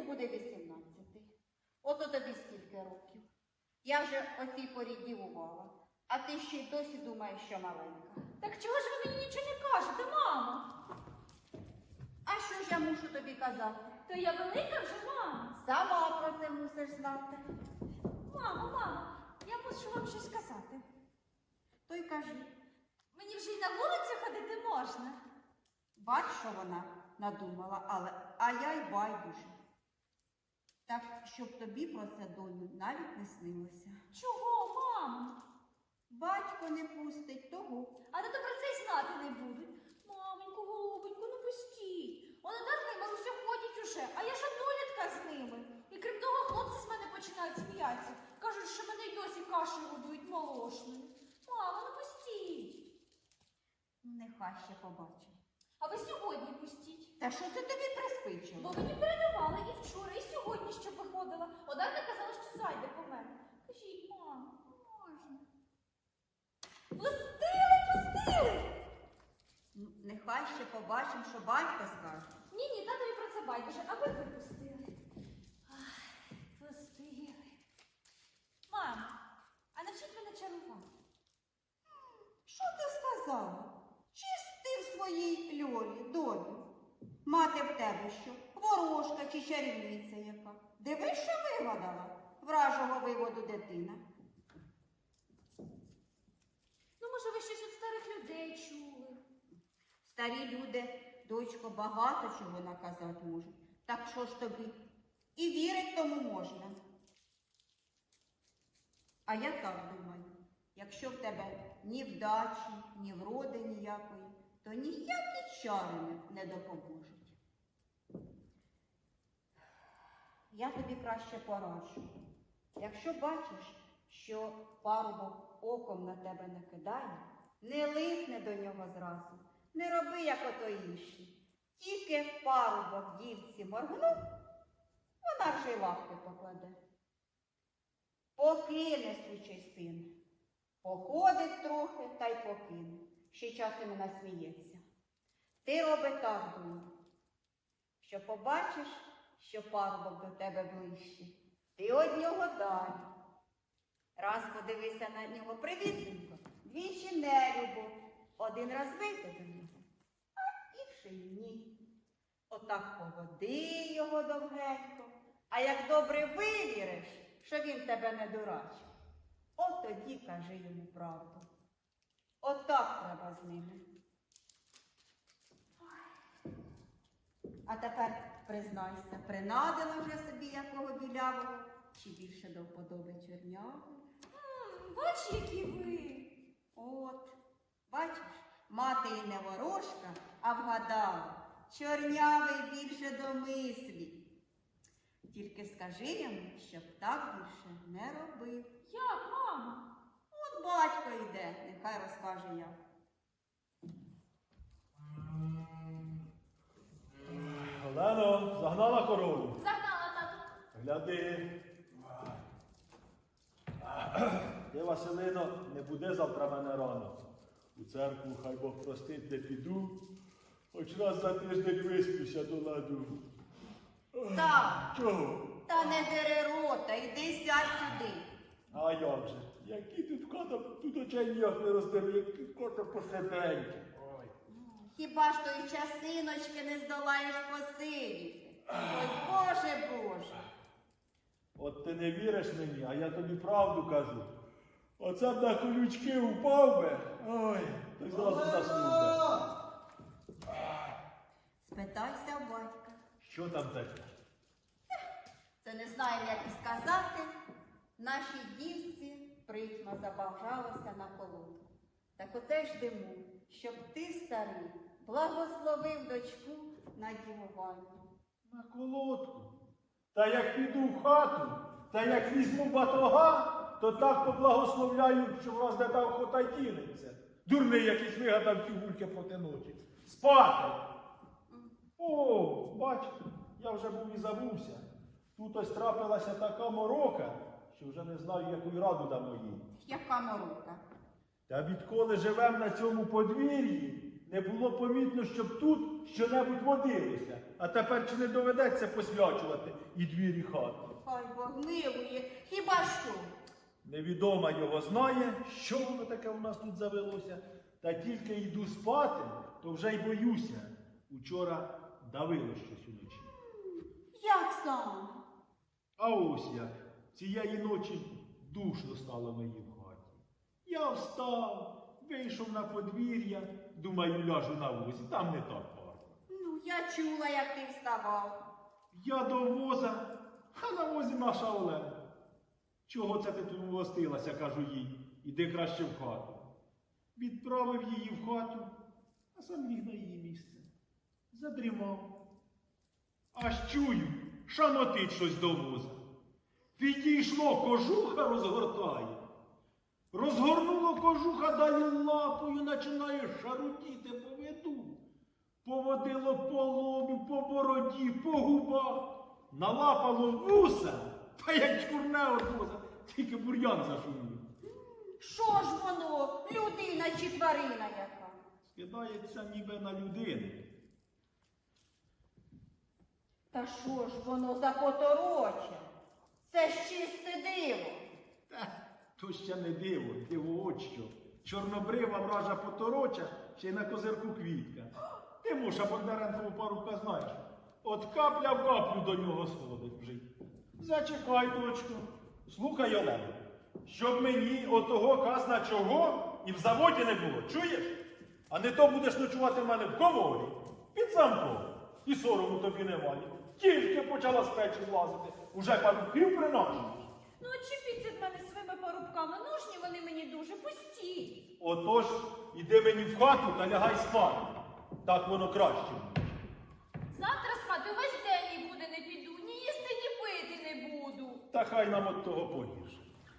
буде 18. Ото тобі скільки років. Я вже о цій порі дівувала, а ти ще й досі думаєш, що маленька. Так чого ж ви мені нічого не кажете, мамо? А що ж я мушу тобі казати? То я велика вже, мамо. Сама про це мусиш знати. Мамо, я мушу вам щось сказати. То й кажи. Мені вже й на вулицю ходити можна. Бач, що вона надумала, а я й байдуже. Так, щоб тобі про це, доню, навіть не снилося. Чого, мамо? Батько не пустить того. А то про це й знати не будуть. Маменько, голубенько, ну пустіть. Вона Дарка і Маруся ходять уже, а я ж однолітка з ними. І крім того, хлопці з мене починають сміятися. Кажуть, що мене й досі кашею годують молошною. Мамо, ну пустіть. Нехай ще побачимо. А ви сьогодні пустіть. Та що це тобі приспичило? Бо мені передавали і вчора, і сьогодні, щоб виходила. Одарка казала, що зайде по мене. Кажіть, мамо, можна. Пустили! Нехай ще побачимо, що батько скаже. Ні, татові про це байдуже, аби ви пустили. Ай, пустили. Мамо, а навчіть мене чарувати. Що ти сказала? Чисти в своїй льолі, долю. Мати в тебе що? Ворожка чи чарівниця яка? Дивись, що вигадала вражого виводу дитина. Ну, може, ви щось від старих людей чули? Старі люди, дочко, багато чого наказати можуть. Так що ж тобі? І вірить тому можна. А я так думаю, якщо в тебе ні вдачі, ні вроди ніякої, то ніякі чари не допоможуть. Я тобі краще пораджу. Якщо бачиш, що парубок оком на тебе не кидає, не липне до нього зразу, не роби, як ото інші. Тільки парубок дівці моргнув, вона вже й лапки покладе. Покине свічий син. Походить трохи та й покине. Ще часом і насміється. Ти роби так, доню, що побачиш, що парубок до тебе ближчий, ти од нього далі. Раз подивися на нього привітненько, двічі нелюбо, один раз вийти до нього, а інший ні. Отак поводи його довгенько, а як добре вивіриш, що він тебе не дурачив, от тоді кажи йому правду. Отак треба з ними. А тепер, признайся, принадила вже собі якого білявого, чи більше до вподоби чорнявого? Бач, які ви. От, бачиш, мати і не ворожка, а вгадала, чорнявий більше до мислі. Тільки скажи йому, щоб так більше не робив. Як, мамо? От батько йде, нехай розкаже як. Олено, загнала корову? Загнала, тату. Гляди. Ти, Василино, не буде завтра мене рано. У церкву, хай Бог простить, не піду. Хоч раз за тиждень виспюся до ладу. Так, Чого? та не дери рота, йди сядь сюди. А як же? Які тут хата, тут очей ніяк не роздивлю, які кота посиденьки. Ой. Хіба ж тої часиночки не здолаєш посидіти? Ой, Боже, Боже. От ти не віриш мені, а я тобі правду кажу. Оце б на колючки упав би. Ой, то й зразу заснув. Спитайся у батька. Що там таке? Це не знаю, як і сказати. Нашій дівці притьма забажалося на колодку. Так оце ж диму, щоб ти, старий, благословив дочку на дівування. На колодку. Та як піду в хату, та як візьму батога, то так поблагословляю, що враз де та охота й кинеться. Дурний якийсь вигадав ті гульки проти ночі. Спати! О, бачите, я вже був і забувся. Тут ось трапилася така морока, що вже не знаю, яку й раду дамо їй. Яка морока? Та відколи живем на цьому подвір'ї, не було помітно, щоб тут що-небудь водилося, а тепер чи не доведеться посвячувати і двір, і хату? Хай Бог милує, хіба що? Невідома його знає, що воно таке у нас тут завелося. Та тільки йду спати, то вже й боюся. Учора давило щось уночі. Як саме? А ось як. Цієї ночі душно стало мені в хаті. Я встав, вийшов на подвір'я, думаю, ляжу на возі, там не так парко. Ну, я чула, як ти вставав. Я до воза, а на возі наша Олена. Чого це ти тут властилася, кажу їй, іди краще в хату. Відправив її в хату, а сам ліг на її місце. Задрімав. Аж чую, шамотить щось до воза. Підійшло, кожуха розгортає. Розгорнуло кожуха, далі лапою починає шарутіти по виду. Поводило по лобі, по бороді, по губах. Налапало вуса, та як чкурне от воза, тільки бур'ян зашумів. Що ж воно, людина чи тварина яка? Скидається ніби на людину. Та що ж воно за потороча? Це ж чисте диво. Та, то ще не диво, диво от що. Чорнобрива вража потороча, ще й на козирку квітка. Ти, Муша, Бондаренкову парубка знаєш. От капля в каплю до нього сходить вже. Зачекай, дочку. Слухай, Олено, щоб мені отого казна чого і в заводі не було, чуєш? А не то будеш ночувати в мене в коморі, під замком. І сорому тобі немає. Тільки почала з печі злазити, уже парубків приношуєш. Ну, очіпіться від мене своїми парубками, нужні вони мені дуже, пустіть. Отож, іди мені в хату та лягай спати. Так воно краще. Завтра спати весь день нікуди не піду, ні їсти, ні пити не буду. Та хай нам от того погірше.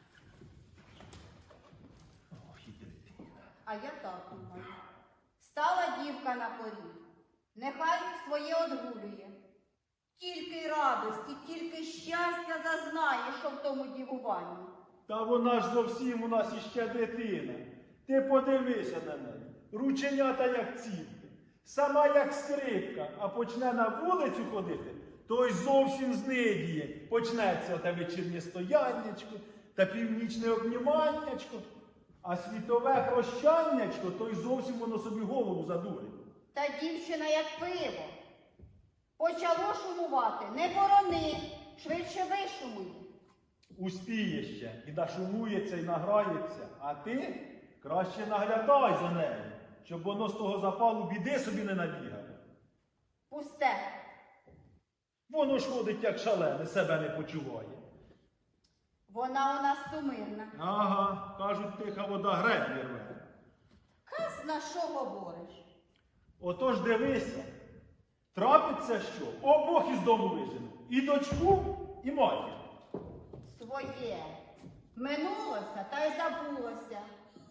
Ох, і дитина. А я так думаю. Стала дівка на поріг. Нехай своє одгулює. Тільки радості, тільки щастя зазнає, що в тому дівуванні. Та вона ж зовсім у нас іще дитина. Ти подивися на неї. Рученята як ціпки. Сама як скрипка, а почне на вулицю ходити, то й зовсім знидіє. Почнеться те вечірнє стояннячко та північне обніманнячко, а світове прощаннячко, то й зовсім воно собі голову задурить. Та дівчина як пиво. Почало шумувати, не борони, швидше вишумуй. Успіє ще і нашумується, і награється, а ти краще наглядай за нею, щоб воно з того запалу біди собі не набігало. Пусте. Воно ж ходить, як шалене, себе не почуває. Вона у нас сумирна. Ага, кажуть, тиха вода греблі рве. Казна, що говориш? Отож дивися, трапиться що, обох із дому вижену. І дочку, і матір. Своє. Минулося та й забулося.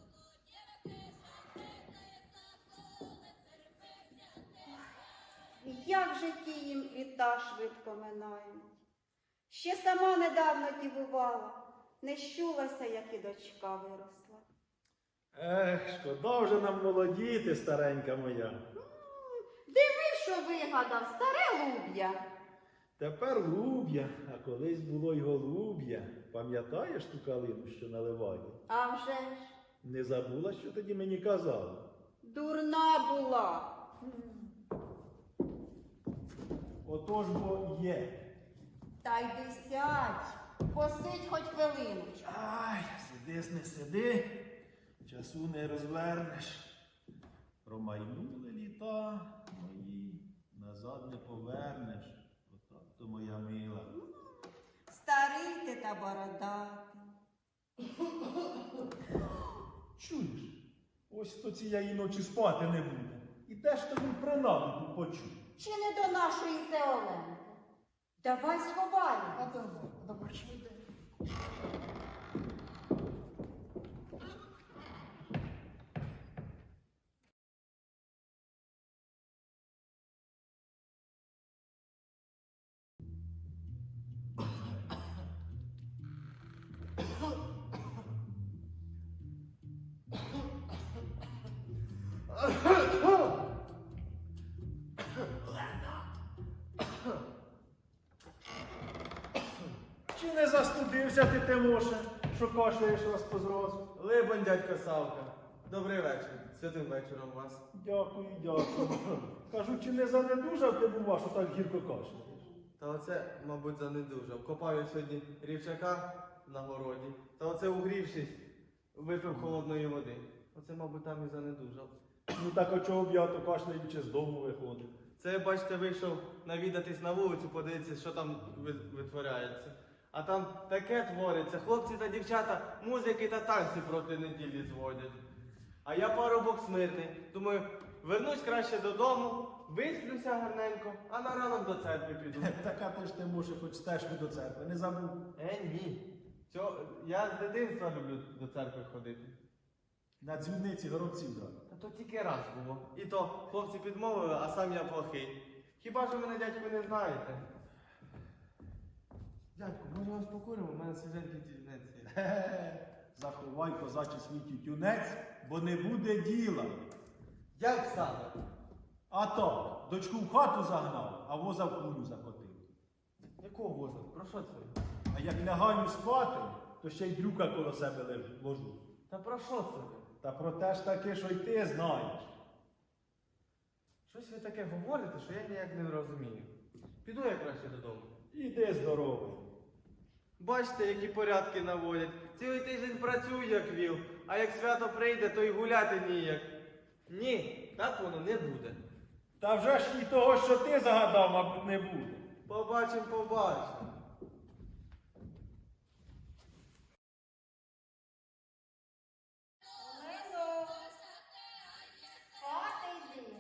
Як же ті їм літа швидко минають. Ще сама недавно дівувала, не щулася, як і дочка виросла. Ех, шкода вже нам молодіти, старенька моя. Диви, що вигадав, старе луб'я. Тепер луб'я, а колись було й голуб'я. Пам'ятаєш ту калину, що наливає? А вже ж, Не забула, що тоді мені казала? дурна була. Отож бо є. Та йди сядь, посидь хоч хвилиночку. Ай, сиди, не сиди, часу не розвернеш. Промайнули літа мої, назад не повернеш. Отак то моя мила. Старий ти та бородатий. Чуєш, ось хто цієї ночі спати не буде. І де ж тобі принаду почув? Чи не до нашої це Оленки? Давай сховаємо. Давай, швидше. Чи не застудився ти, Тимоше, що кашляєш раз по зразу? Либонь, дядько Савка. Добрий вечір. Святим вечором вас. Дякую, дякую. Кажу, чи не занедужав ти бува, що так гірко кашляєш? Та оце, мабуть, занедужав. Копав я сьогодні рівчака на городі. Та оце угрівшись, випив холодної води. Оце, мабуть, там і занедужав. Ну так а чого б я то кашляючи з дому виходив? Це, бачите, вийшов навідатись на вулицю, подивитися, що там витворяється. А там таке твориться. Хлопці та дівчата музики та танці проти неділі зводять. А я парубок смирний. Думаю, вернусь краще додому, висплюся гарненько, а на ранок до церкви піду. Така ти ж Тимоше, хоч стежку до церкви, не забув. Ні. Я з дитинства люблю до церкви ходити. На дзвіниці горобців дали. Та то тільки раз було. І то хлопці підмовили, а сам я плохий. Хіба ж ви мене, дядьку, не знаєте? Дядьку, може вас покуримо? У мене свіженький тюнець є. Хе-хе. Заховай, козачий свій тютюнець, бо не буде діла. Як саме? А то, дочку в хату загнав, а воза в кулю закотив. Якого воза? Про що це? А як лягаю спати, то ще й дрюка коло себе ложу. Та про що це? Та про те ж таки, що й ти знаєш. Щось ви таке говорите, що я ніяк не розумію. Піду я краще додому. Іди здоровий. Бачите, які порядки наводять. Цілий тиждень працюю, як віл, а як свято прийде, то й гуляти ніяк. Ні, так воно не буде. Та вже ж і того, що ти загадав, мабуть, не буде. Побачим, побачим. Олено, спати йди.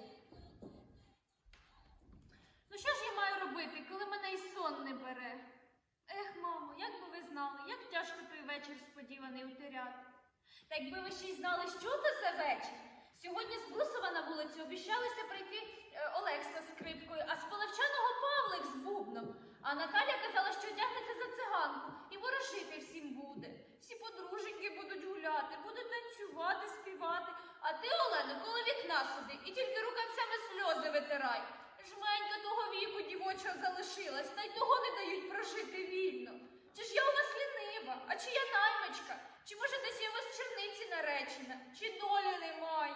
Ну що ж я маю робити, коли мене і сон не бере? Ех, мамо, як би ви знали, як тяжко той вечір сподіваний утеряти. Та якби ви ще й знали, що це за вечір. Сьогодні з Брусова на вулицю обіщалися прийти Олекса з скрипкою, а з Полевчаного Павлик з бубном. А Наталя казала, що одягнеться за циганку і ворожити всім буде. Всі подруженьки будуть гуляти, будуть танцювати, співати. А ти, Олено, коло вікна сиди і тільки рукавцями сльози витирай. Жменька того віку дівочого залишилась, та й того не дають прожити вільно. Чи ж я у вас лінива, а чи я наймичка? Чи може десь я у вас в черниці наречена? Чи долі немає?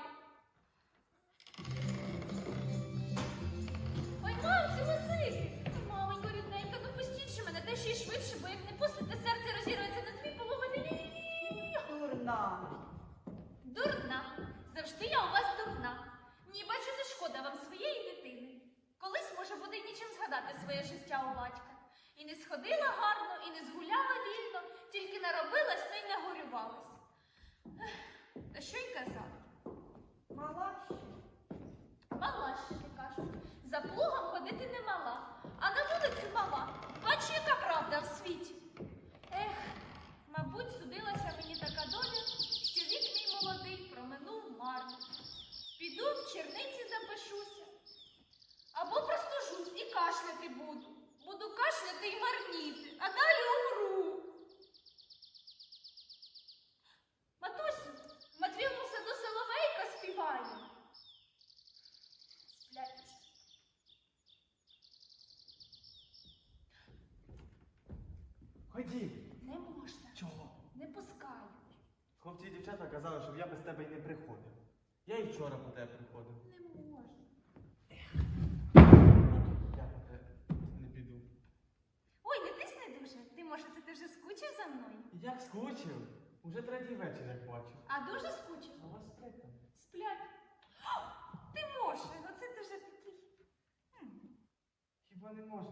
Ой, мамці, Василь! Маменько, рідненька, ну пустіть же мене, та ще й швидше, бо як не пустите, серце розірветься на дві половини. Дурна. Дурна. Завжди я у вас дурна. Ні, бачу, не шкода вам своєї дитини. Колись, може, буде й нічим згадати своє життя у батька. І не сходила гарно, і не згуляла вільно, тільки наробилась, та й нагорювалась. Ех, та що й казати? Мала ще. Мала ще, кажуть. За плугом ходити не мала, а на вулицю мала. Бачу, яка правда в світі. Ех, мабуть, судилася мені така доля, що вік мій молодий проминув марно. Піду в черниці запишуся. Або простужусь і кашляти буду. Буду кашляти і марніти, а далі умру. Матусю, в Матвієвому саду соловейка співає. Сплять уже. Ходім. Не можна. Чого? Не пускають. Хлопці і дівчата казали, щоб я без тебе й не приходив. Я і вчора по тебе приходив. Не можна. Я по тебе не піду. Ой, не тисни дуже. Ти, може, ти вже скучив за мною? Як скучив? Уже третій вечір, як бачу. А дуже скучив? А вас сплять там? Сплять. О, ти може, оце ти вже такий. Хіба не можна?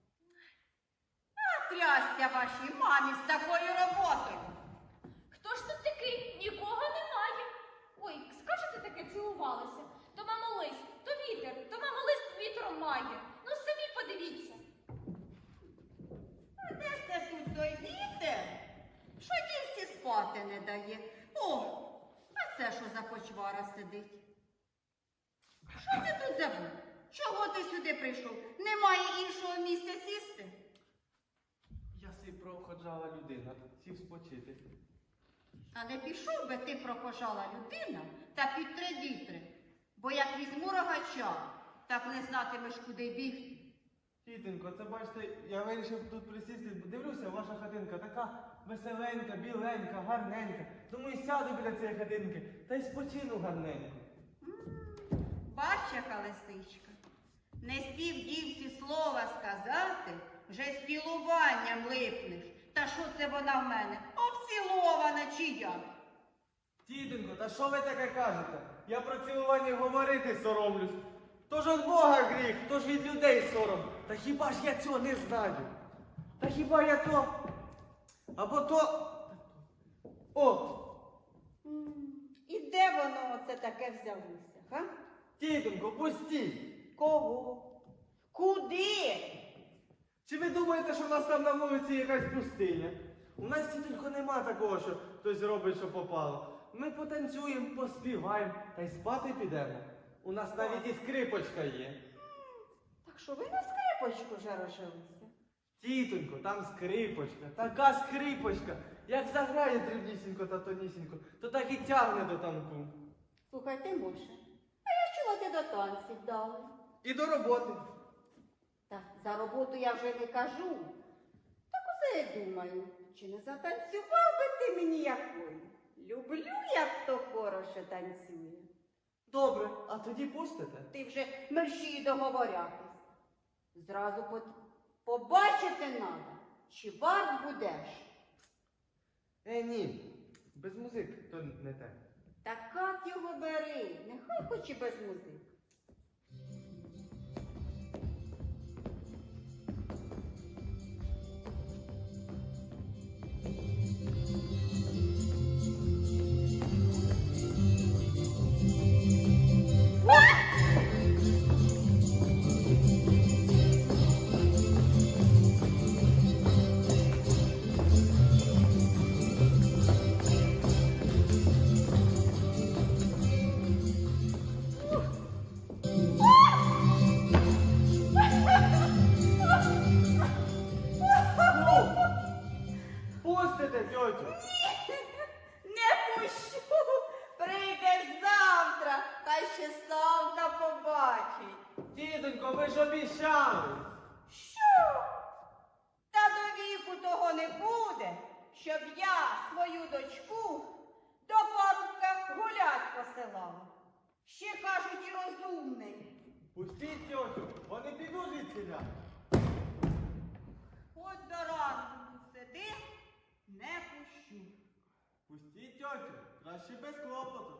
А трясся вашій мамі з такою роботою. Хто ж тут такий? Нікого немає. Ой, скажете таке цілувалися? То мамо лист, то вітер, то мамо лист вітром має. Ну самі подивіться. А де ж це тут той вітер? Що дівці спати не дає? О, а це що за почвара сидить? Що ти тут забув? Чого ти сюди прийшов? Немає іншого місця сісти? Я си проходжала людина, сів спочити. А не пішов би ти прохожала людина та під 3 вітри, бо як візьму рогача, так не знатимеш, куди бігти. Тітонько, це бачите, я вирішив тут присісти, дивлюся, ваша хатинка така веселенька, біленька, гарненька. Думаю, сяду біля цієї хатинки та й спочину гарненько. Бач, яка лисичка. Не спів дівці слова сказати, вже з цілуванням липнеш. Та що це вона в мене? Обцілована чи як? Тітонько, та що ви таке кажете? Я про цілування говорити соромлюсь. То ж від Бога гріх, то ж від людей сором. Та хіба ж я цього не знаю? Та хіба я то? Або то. О! І де воно оце таке взялося, га? Тітонько, пустіть! Кого? Куди? Чи ви думаєте, що в нас там на вулиці якась пустиня? У нас тітонько нема такого, що хтось робить, що попало. Ми потанцюємо, поспіваємо та й спати підемо. У нас навіть і скрипочка є. Так що ви на скрипочку вже розжилися? Тітонько, там скрипочка, така скрипочка. Як заграє дрібнісінько та тонісінько, то так і тягне до танку. Слухай, Тимоше, а я чула, ти до танців дали. І до роботи. Та за роботу я вже не кажу. Так усе я думаю, чи не затанцював би ти мені якою? Люблю, як хто хороше танцює. Добре, а тоді пустите? Ти вже мерщій договорятись. Зразу побачити надо, чи варт будеш. Ні, без музик то не те. Так як його бери, нехай хоч і без музики. Пустите, тьотю! Не пущу, прийдеш завтра, та ще Савка побачить. Тітонько, ви ж обіщали! Що? Та до віку того не буде, щоб я свою дочку до парубка гулять посилала. Ще кажуть і розумний. Пустіть тьотю, вони підуть звідсіля. От до ранку тут сиди, не пущу. Пустіть тьотю, краще без клопоту.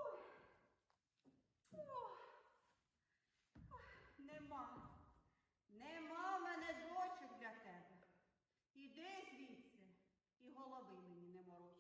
Нема в мене дочок для тебе. Іди звідси і голови мені не мороч.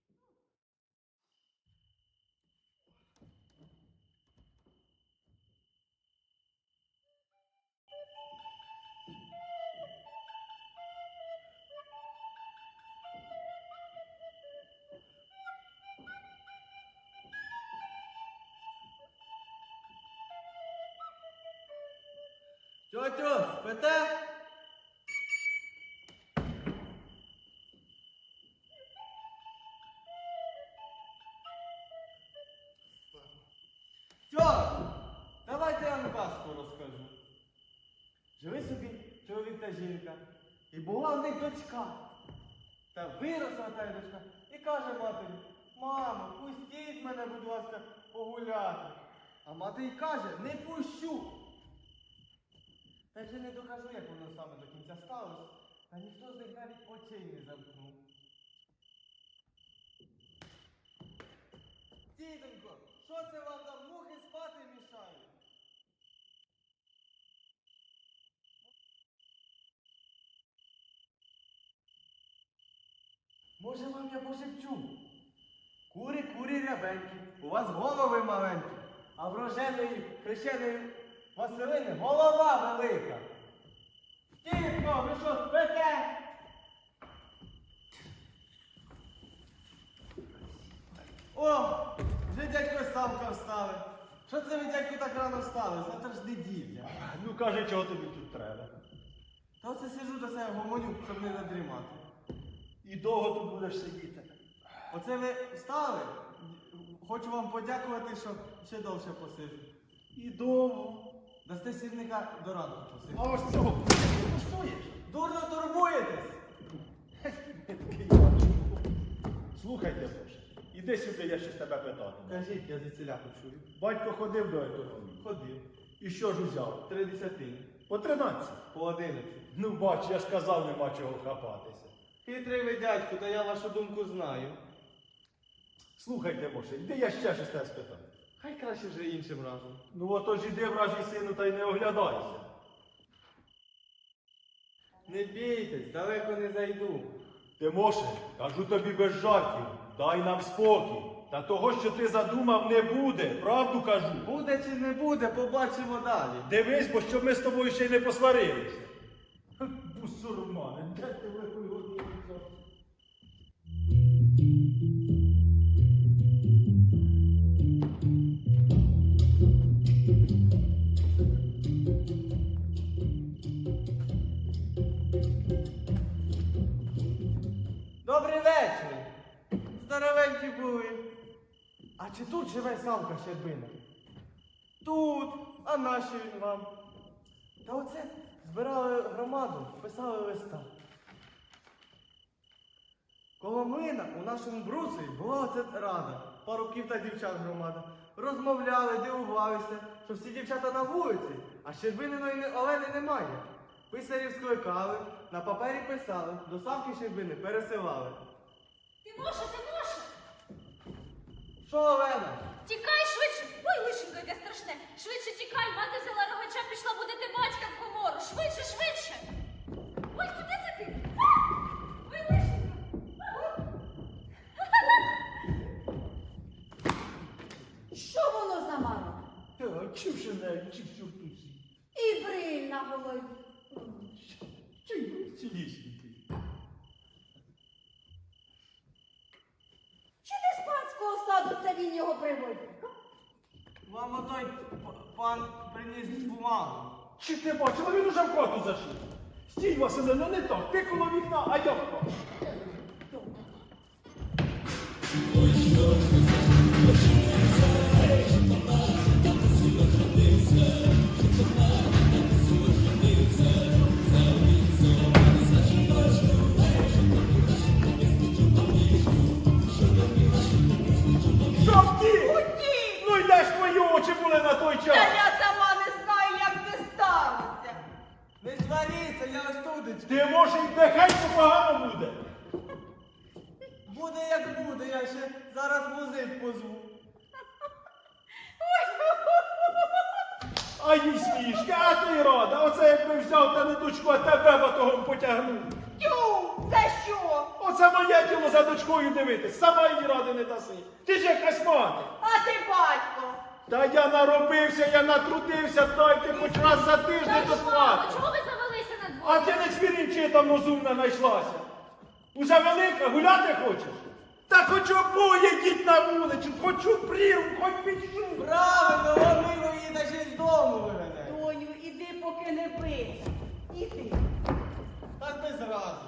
Тьотю, спите? Тьотю, давайте я вам казку розкажу. Жили собі чоловік та жінка, і була в них дочка. Та виросла та дочка і каже матері: мамо, пустіть мене, будь ласка, погуляти. А мати й каже: не пущу. Та вже не докажу, як воно саме до кінця сталося, та ніхто з них навіть очей не замкнув. Тітонько, що це вам там мухи спати мішають? Може вам я пошепчу? Кури, курі рябенькі, у вас голови маленькі, а в роженої хрещеної Василини голова велика. Тітко, ви що, спите? О, вже дядько Савка встали. Що це ви, дядько, так рано встали? Завтра ж неділя. Ну кажи, чого тобі тут треба. Та оце сиджу до себе гомоню, щоб не надрімати. І довго тут будеш сидіти. Оце ви встали? Хочу вам подякувати, що ще довше посиджу. І довго. Дасте сірника до ранку посидіти. А ось цього ти коштуєш? Дурно турбуєтесь! Слухайте, Боже, іди сюди, я щось тебе питати. Кажіть, я звідсіля почую. Батько ходив до економії. Ходив. І що ж узяв? 3 десятини. По 13. По 11. Ну бач, я ж казав, нема чого хапатися. Хитрий ви, дядьку, та я вашу думку знаю. Слухайте, Моше, іди я ще щось тебе спитаю. Хай краще вже іншим разом. Ну отож іди, вражий сину, та й не оглядайся. Не бійтесь, далеко не зайду. Ти, Моше, кажу тобі без жартів, дай нам спокій. Та того, що ти задумав, не буде, правду кажу. Буде чи не буде, побачимо далі. Дивись, бо щоб ми з тобою ще й не посварилися. Бусурмане, де ти великою годину взяв? Добрий вечір. Здоровенькі були. А чи тут живе Савка Щербина? Тут. А нащо він вам? Та оце збирали громаду, писали листа. Коло млина у нашому брусі була оце рада. Парубків та дівчат громада. Розмовляли, дивувалися, що всі дівчата на вулиці, а Щербининої Олени немає. Писарів скликали, на папері писали, до Савки Щербини пересилали. Тимоша, Тимоша! Що, Олена? Тікай швидше! Ой, лишенько, яке страшне! Швидше тікай, мати взяла рогача, пішла будити батька в комору! Швидше, швидше! Ой, куди це ти? А! Ой, лишенько! Що воно за мало? Чи в шинелі, чи в сюртуці? І бриль на голові. Чи й цілісінький? Чи не з панського саду це він його приводив? Мамо, той пан приніс бумагу. Чи ти бачила, він уже в хату зайшов? Стій, Василе, ну не так, ти коло вікна, а я в хату. Що втік? Утік! Ну йдеш, мої очі були на той Та час. я сама не знаю, як це сталося. Не сваріться, я остудить. Ти може й нехай погано буде. Буде як буде, я ще зараз музик позву. А їй смішка, а ти рада. Оце якби взяв та не дочку, а тебе батогом потягнув. Тю, це що? Оце моє діло за дочкою дивитись, сама їй ради не даси. Ти ж якась мати. А ти батько. Та я наробився, я натрудився, дайте хоч раз за тиждень до Мамо, спати. чого ви завелися на А двоє? ти не свірінчи там розумна знайшлася. Уже велика, гуляти хочеш? Та хоч обоє йдіть на вулицю, хочу прірву, хоч підшу. Правильно, вони її та ще й з дому виганяють. Доню, іди, поки не пиш. Іди. Так без разу.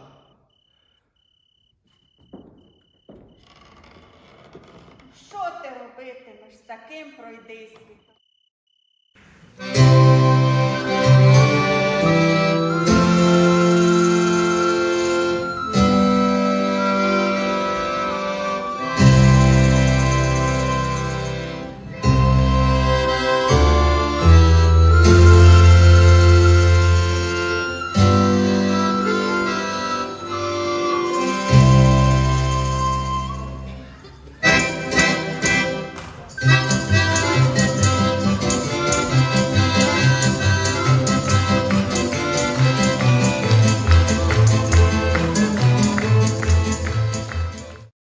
Що ти робитимеш з таким пройдисвітом?